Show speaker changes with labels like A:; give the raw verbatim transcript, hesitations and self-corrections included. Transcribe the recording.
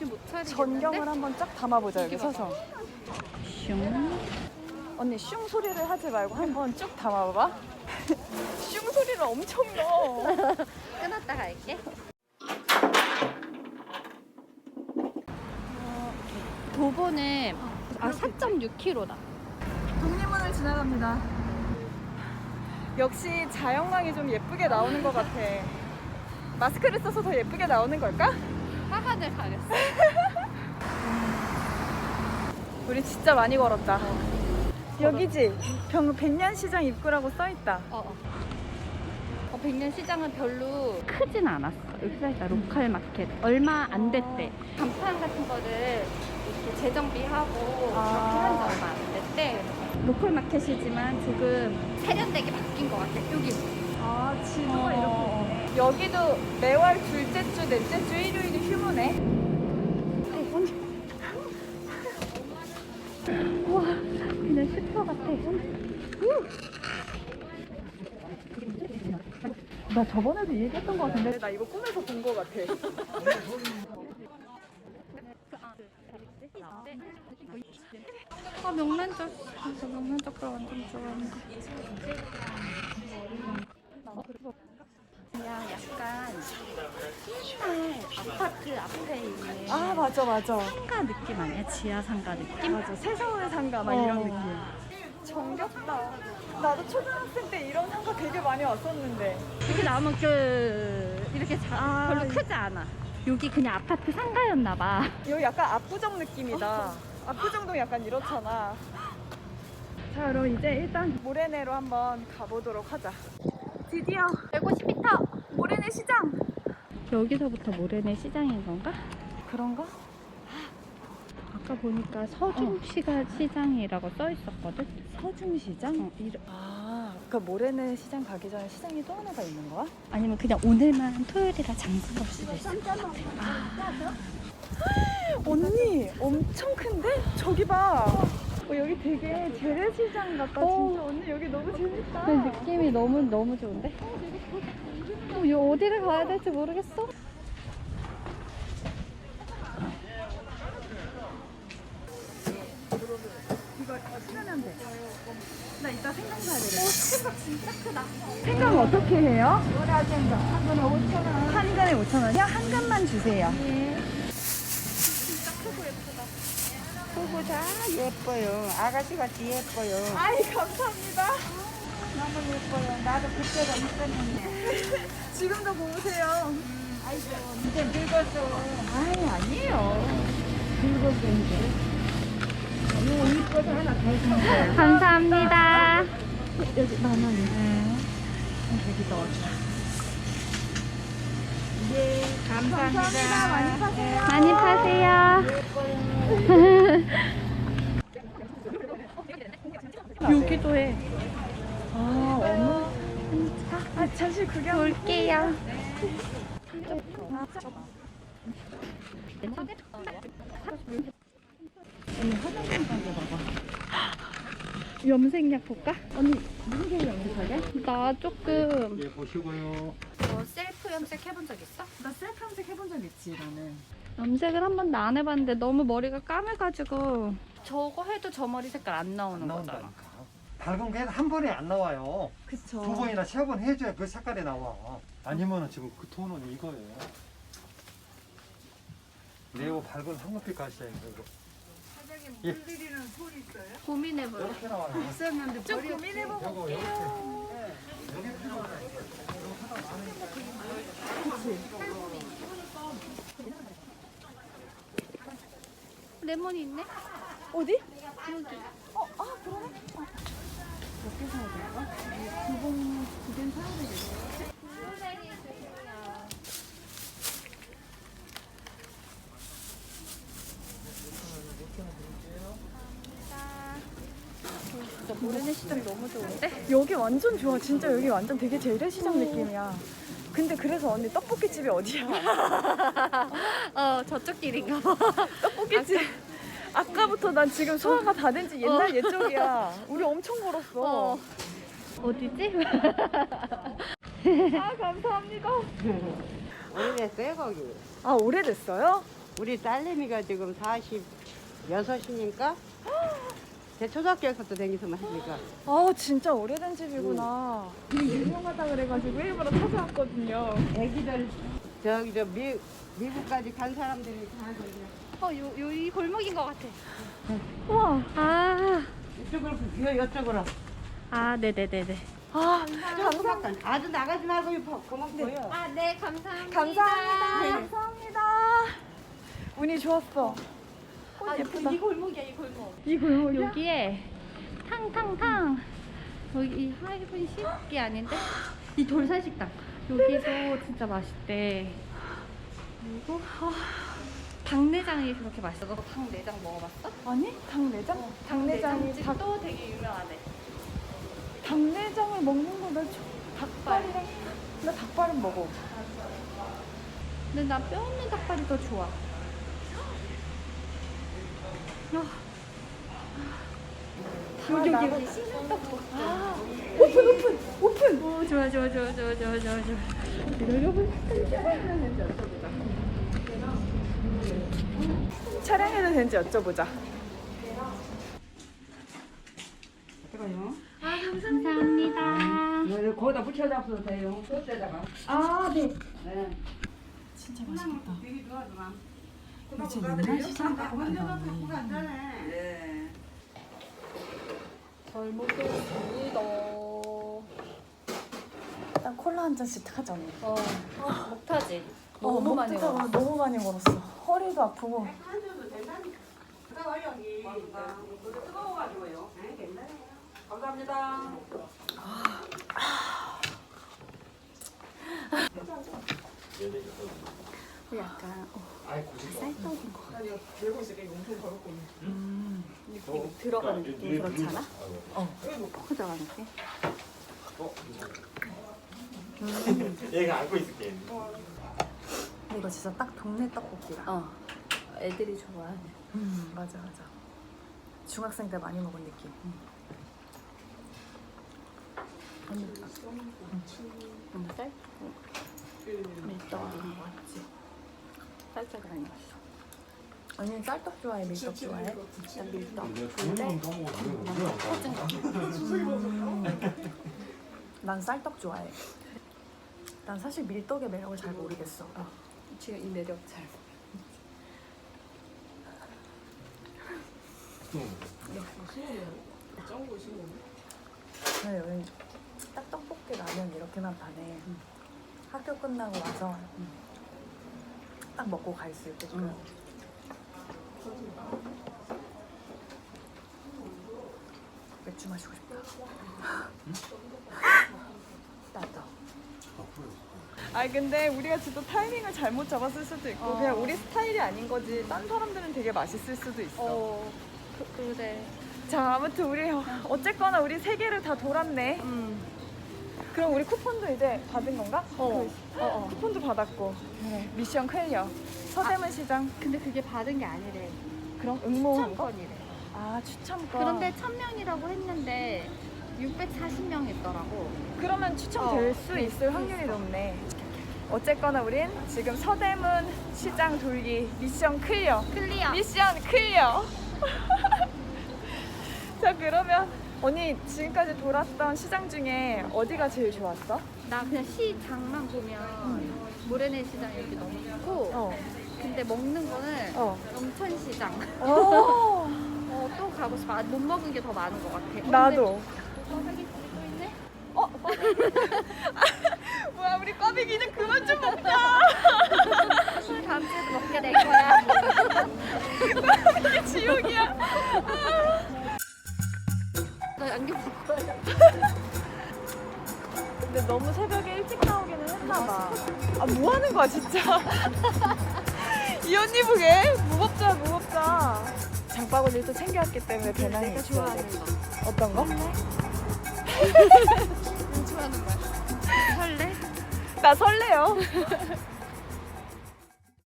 A: 정신 못 차리겠는데?
B: 전경을 한번 쫙 담아보자 여기 서서.
A: 슝.
B: 언니 슝 소리를 하지 말고 한번 쭉 담아봐봐. 슝 소리를 엄청 넣어.
A: 끊었다 갈게. 도보는 아 사 점 육 킬로미터다.
B: 독립문을 지나갑니다. 역시 자연광이 좀 예쁘게 나오는 것 같아. 마스크를 써서 더 예쁘게 나오는 걸까?
A: 화관을 가렸어.
B: 우리 진짜 많이 걸었다. 여기지? 병 백년시장 입구라고 써있다.
A: 어, 어. 어, 백년시장은 별로 크진 않았어. 여기 써있다. 로컬 마켓. 얼마 안 됐대. 간판 같은 거를 이렇게 재정비하고
B: 아.
A: 그렇게 한 지 얼마 안 됐대. 로컬 마켓이지만 조금 세련되게 바뀐 것 같아. 여기.
B: 아, 지도가
A: 어.
B: 이렇게 있네. 여기도 매월 둘째 주, 넷째 주, 일요일이 휴무네.
A: 우와, 그냥 슈퍼 같아.
B: 나 저번에도 얘기했던 것 같은데 나 이거 꿈에서 본 것 같아.
A: 아, 명란젓. 저 명란젓 완전 좋아하는데. 그냥 약간 옛날 아파트 앞에 있는
B: 아, 맞아 맞아.
A: 상가 느낌 아니야? 지하 상가 느낌?
B: 맞아. 새서울 상가 막
A: 어.
B: 이런 느낌. 정겹다. 나도 초등학생 때 이런 상가 되게 많이 왔었는데.
A: 이렇게 나오면 그 이렇게 자,
B: 아,
A: 별로 크지 않아. 여기 그냥 아파트 상가였나 봐.
B: 여기 약간 압구정 느낌이다. 압구정도 약간 이렇잖아. 자, 그럼 이제 일단 모래내로 한번 가보도록 하자. 드디어
A: 백오십 미터.
B: 모래내 시장.
A: 여기서부터 모래내 시장인 건가?
B: 그런가?
A: 아까 보니까 서중시가 시장이라고 써 있었거든.
B: 서중시장?
A: 어, 이러-
B: 아, 그러니까 모래내 시장 가기 전에 시장이 또 하나가 있는 거야?
A: 아니면 그냥 오늘만 토요일이라 장사가 없을 수도 있어.
B: 언니, 엄청 큰데? 저기 봐. 어, 여기 되게 재래시장 같다.
A: 어.
B: 진짜 언니 여기 너무 재밌다.
A: 그 느낌이 너무 너무 좋은데? 어, 이 어디를 가야 될지 모르겠어.
B: 이거 신으면 돼. 나 이따 생강 사야 되겠다.
A: 생각 진짜 크다.
B: 생강 어떻게 해요? 뭐라 생강? 한 근에 오천 원. 한 근에 오천 원이요? 한 근만 주세요.
A: 예.
C: 크고 다 예뻐요. 아가씨같이 예뻐요.
B: 아이, 감사합니다.
C: 너무 예뻐요. 나도 그때가 있었는데.
B: 지금도 보세요.
C: 아이고, 이제 늙었어.
B: 아이, 아니에요.
C: 늙었어, 이제. 이거 이뻐서 하나 더 주는 거야.
A: 감사합니다.
B: 여기 만 원이.
A: 네.
B: 여기 넣어줘.
C: 네, 감사합니다.
B: 감사합니다. 많이 파세요.
A: 많이 파세요. 여기도 해.
B: 아, 어머. 아, 잠시 구경.
A: 볼게요.
B: 언니 화장품 가게 봐봐.
A: 염색약 볼까?
B: 언니, 무슨 게 염색하게?
A: 나 조금
D: 예, 보시고요.
A: 너 셀프 염색 해본 적 있어?
B: 나 셀프 염색 해본 적 있지, 나는.
A: 염색을 한 번도 안 해봤는데 너무 머리가 까매가지고 저거 해도 저 머리 색깔 안 나오는
D: 안
A: 거잖아.
D: 나온다니까. 밝은 게 한 번에 안 나와요.
B: 그쵸.
D: 두 번이나 세 번 해줘야 그 색깔이 나와. 아니면은 지금 그 톤은 이거예요. 네오 밝은 황금빛 가시예요. 이거. 예.
A: 고민해볼래.
D: 이렇게 나와요.
B: 좀 고민해보고.
D: 이거 이렇게. 여기 필요하다.
A: 레몬이 있네?
B: 어디?
A: 여기.
B: 어, 아, 그러네. 어. 몇 개 사야 될까? 두 번, 두 개는 사야 되겠네.
A: 진짜 모래내 시장 너무 좋은데?
B: 여기 완전 좋아. 진짜 여기 완전 되게 재래시장 느낌이야. 근데 그래서 언니 떡볶이집이 어디야?
A: 어 저쪽 길인가 봐.
B: 떡볶이집. 아까부터 난 지금 소화가 다 된 지 옛날
A: 어.
B: 옛적이야. 우리 엄청 걸었어.
A: 어. 어디지?
B: 아, 감사합니다.
C: 오래됐어요, 거기.
B: 아, 오래됐어요?
C: 우리 딸내미가 지금 사십육이니까 제 초등학교에서부터 다니서만 하니까.
B: 아 진짜 오래된 집이구나. 되게 유명하다 그래가지고 일부러 찾아왔거든요.
C: 애기들 저기 저 미, 미국까지 간 사람들이 다 거기야.
A: 어, 요, 요, 이 골목인 것 같아.
B: 우와.
A: 아,
C: 이쪽으로 요 이쪽으로.
A: 아, 네네네네.
B: 아
C: 감사합니다. 아주 나가지 말고 이 고막 보여.
A: 아, 네, 감사합니다.
B: 감사합니다.
A: 네.
B: 감사합니다. 운이 좋았어. 꽃
A: 아,
B: 예쁘다.
A: 이 골목이야, 이 골목.
B: 이 골목이야?
A: 여기에 탕탕탕. 여기 이 하이븐 식이 아닌데? 이 돌살식당. 여기도 진짜 맛있대. 그리고 아, 닭내장이 그렇게 맛있어. 너 닭내장 먹어봤어?
B: 아니 닭내장? 닭내장이 닭,
A: 닭도 되게 유명하대.
B: 닭내장을 먹는 거나 닭발이랑 나 닭발은 먹어.
A: 근데 나 뼈 있는 닭발이 더 좋아. 아, 여기 여기 여기 씻는 떡볶이.
B: 아 오픈 오픈 오픈.
A: 오, 좋아 좋아 좋아 좋아 좋아 좋아 좋아.
B: 촬영해도 되는지 여쭤보자.
C: 잠깐요.
A: 아, 감사합니다.
C: 네, 거기다 붙여 잡숴도 돼요. 소스에다가.
B: 아 네.
C: 네.
B: 진짜 맛있겠다.
C: 되게 좋아하더만.
B: 그치, 옛날 시장 갖고 간다.
C: 네.
A: 잘 먹겠습니다.
B: 일단 콜라 한 잔씩 하자 언니.
A: 어, 목타지.
B: 어,
A: 너무 많이
B: 먹다가
A: 먹었어.
B: 너무 많이 걸었어. 허리도 아프고.
C: 한줄도 된다니까. 그거 여기. 그거 뜨거워가지고요. 네, 괜찮아요. 감사합니다.
A: 약간 어,
D: 아이 고집.
A: 쌀떡인 거.
B: 들고 있으니까 용품 걸고 있는.
A: 음, 느낌 들어가는 느낌 그렇지 않아?
B: 어.
A: 포장하는 게?
D: 얘가 안고 있을게.
B: 이거 진짜 딱 동네 떡볶이다.
A: 어. 애들이 좋아하네.
B: 음 맞아 맞아. 중학생 때 많이 먹은 느낌.
A: 음, 쌀? 밀떡 이런 거 같지? 쌀떡이 아니었어.
B: 언니는 쌀떡 좋아해? 밀떡 좋아해?
A: 난 밀떡.
D: 부모님
B: 난 쌀떡 좋아해. 난 사실 밀떡의 매력을 잘 모르겠어.
A: 어, 지금 이 매력 잘
B: 근데 여기 딱 떡볶이 라면 이렇게만 파네. 학교 끝나고 와서 딱 먹고 가 있을 때 그. 맥주 마시고 싶다. 나도. 아니 근데 우리가 진짜 타이밍을 잘못 잡았을 수도 있고
A: 어.
B: 그냥 우리 스타일이 아닌 거지. 딴 사람들은 되게 맛있을 수도 있어.
A: 어, 그, 그래.
B: 자 아무튼 우리 어쨌거나 우리 세 개를 다 돌았네.
A: 음.
B: 그럼 우리 쿠폰도 이제 받은 건가?
A: 어.
B: 그, 어, 어. 쿠폰도 받았고. 그래. 미션 클리어. 서대문 시장.
A: 근데 그게 받은 게 아니래.
B: 그럼 응모한 거?
A: 추천권이래.
B: 아 추첨권.
A: 그런데 천 명이라고 했는데 육백사십 명 있더라고.
B: 그러면 추첨될
A: 어,
B: 수
A: 될
B: 있을
A: 수
B: 확률이
A: 있어.
B: 높네. 어쨌거나 우린 지금 서대문 시장 돌기 미션 클리어.
A: 클리어.
B: 미션 클리어. 자 그러면 언니 지금까지 돌았던 시장 중에 어디가 제일 좋았어?
A: 나 그냥 시장만 보면 모래내 시장 여기 너무 좋고
B: 어.
A: 근데 먹는 거는
B: 어.
A: 영천시장
B: 오.
A: 어, 또 가고 싶어. 아, 못 먹은 게 더 많은 것 같아.
B: 나도.
A: 꽈배기 또 있네?
B: 어? 뭐야 우리 꽈배기는 그만 좀 먹자.
A: 술 다음 주에도 먹게 될 거야.
B: 이게 지옥이야.
A: 너 안경 벗고 와야
B: 근데 너무 새벽에 일찍 나오기는 했나 봐. 아, 뭐 하는 거야, 진짜. 이 언니 보게. 무겁자, 무겁자. 장바구니를 또 챙겨왔기 때문에 배낭이
A: 내가
B: 있어야
A: 좋아하는
B: 돼.
A: 거.
B: 어떤 거?
A: 좋아하는 거야. 설레?
B: 나 설레요.